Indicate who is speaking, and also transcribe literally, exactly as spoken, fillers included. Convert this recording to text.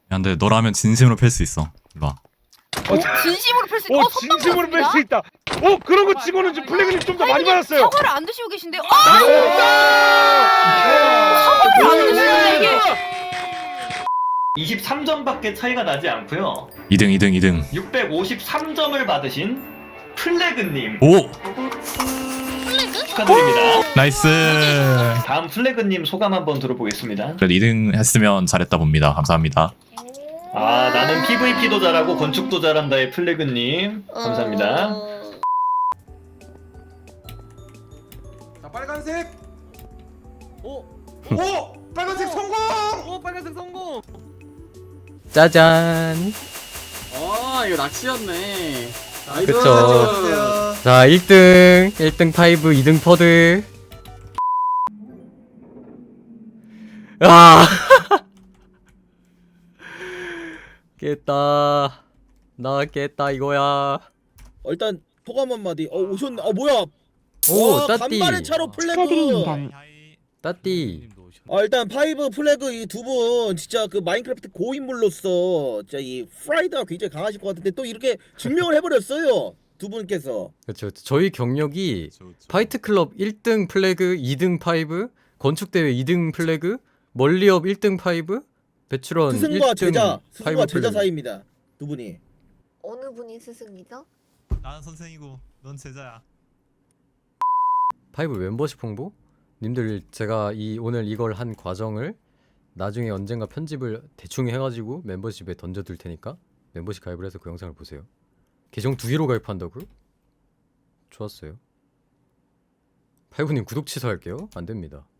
Speaker 1: 야, 근데 너라면 진심으로 팰 수 있어. 일로 와.
Speaker 2: 어, 진심으로 펼수
Speaker 3: 오
Speaker 2: 어,
Speaker 3: 진심으로 뺄 수 있다. 오 그런 거 치고는 좀 플래그님 좀 더 많이 받았어요.
Speaker 2: 사과를 안 드시고 계신데요? 아!
Speaker 3: 사과를
Speaker 2: 안 드시는데 이게
Speaker 4: 이십삼 점밖에 차이가 나지 않고요.
Speaker 1: 이 등, 이 등, 이 등.
Speaker 4: 육백오십삼 점을 받으신 플래그님
Speaker 1: 오!
Speaker 4: 축하드립니다.
Speaker 1: 나이스!
Speaker 4: 다음 플래그님 소감 한번 들어보겠습니다.
Speaker 1: 그래도 이 등 했으면 잘했다 봅니다. 감사합니다.
Speaker 4: 아 나는 피브이피도 잘하고 건축도 잘한다의 플래그님 감사합니다.
Speaker 5: 자 빨간색.
Speaker 6: 오!
Speaker 5: 오 빨간색 성공.
Speaker 6: 오 빨간색 성공!
Speaker 7: 짜잔.
Speaker 6: 아 이거 낚시였네.
Speaker 7: 그쵸. 자 일 등 일 등 파이브 이 등 퍼드. 아 깼다. 나 깼다 이거야.
Speaker 8: 어, 일단 소감 한마디. 어 오셨네. 아 뭐야?
Speaker 7: 오
Speaker 8: 와,
Speaker 7: 따띠
Speaker 8: 간발의 차로 플래그.
Speaker 9: 축하드립니다.
Speaker 7: 따띠.
Speaker 8: 아 일단 파이브 플래그 이 두 분 진짜 그 마인크래프트 고인물로서 진짜 이 프라이드가 굉장히 강하실 것 같은데 또 이렇게 증명을 해버렸어요. 두 분께서.
Speaker 7: 그렇죠. 저희 경력이 파이트 클럽 일 등 플래그 이 등 파이브, 건축 대회 이 등 플래그, 멀리업 일 등 파이브, 배출원 일 등
Speaker 8: 스승과 제자, 스승과
Speaker 7: 파이브
Speaker 8: 제자
Speaker 7: 플래그.
Speaker 8: 사이입니다. 두 분이.
Speaker 9: 어느 분이 스승이죠?
Speaker 1: 나는 선생이고 넌 제자야.
Speaker 7: 파이브 멤버십 홍보? 님들 제가 이 오늘 이걸 한 과정을 나중에 언젠가 편집을 대충 해가지고 멤버십에 던져둘 테니까 멤버십 가입을 해서 그 영상을 보세요. 계정 두 개로 가입한다고요? 좋았어요. 파이브님 구독 취소할게요. 안됩니다.